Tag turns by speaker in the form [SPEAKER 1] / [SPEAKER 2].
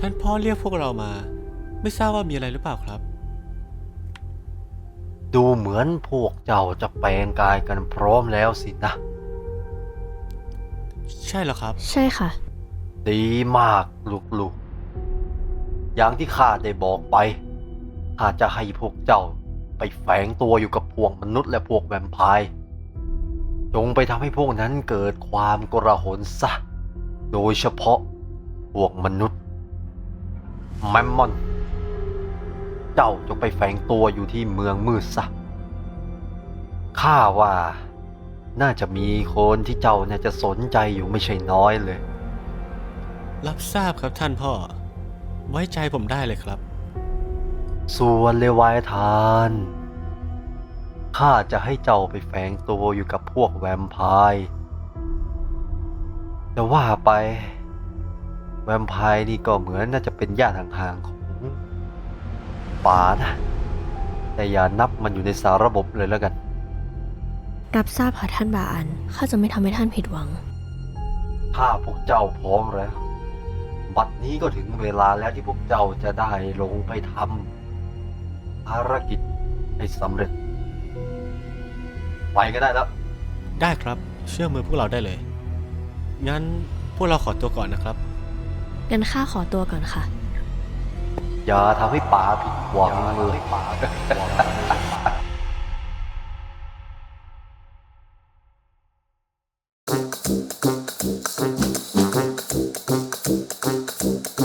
[SPEAKER 1] ท่านพ่อเรียกพวกเรามาไม่ทราบว่ามีอะไรหรือเปล่าครับ
[SPEAKER 2] ดูเหมือนพวกเจ้าจะแปลงกายกันพร้อมแล้วสินะ
[SPEAKER 1] ใช่เหรอครับ
[SPEAKER 3] ใช่ค่ะ
[SPEAKER 2] ดีมากลูกๆอย่างที่ข้าได้บอกไปข้าจะให้พวกเจ้าไปแฝงตัวอยู่กับพวกมนุษย์และพวกแวมไพร์จงไปทำให้พวกนั้นเกิดความกระหนซะโดยเฉพาะพวกมนุษย์แมมมอนเจ้าจงไปแฝงตัวอยู่ที่เมืองมืดซะข้าว่าน่าจะมีคนที่เจ้าน่าจะสนใจอยู่ไม่ใช่น้อยเลย
[SPEAKER 1] รับทราบครับท่านพ่อไว้ใจผมได้เลยครับ
[SPEAKER 2] ส่วนเลวายทานข้าจะให้เจ้าไปแฝงตัวอยู่กับพวกแวมไพร์แต่ว่าไปแวมไพร์นี่ก็เหมือนน่าจะเป็นญาติห่างๆของป๋านะแต่อย่านับมันอยู่ในสารระบบเลยแล้วกัน
[SPEAKER 3] รับทราบค่ะท่านบาอันข้าจะไม่ทำให้ท่านผิดหวัง
[SPEAKER 2] ถ้าพวกเจ้าพร้อมแล้วบัดนี้ก็ถึงเวลาแล้วที่พวกเจ้าจะได้ลงไปทำภารกิจให้สำเร็จไปก็ได้แล้ว
[SPEAKER 1] ได้ครับเชื่อมือพวกเราได้เลยงั้นพวกเราขอตัวก่อนนะครับ
[SPEAKER 3] งั้นข้าขอตัวก่อนค่ะ
[SPEAKER 2] อย่าทำให้ป๋าผิดหวังเลย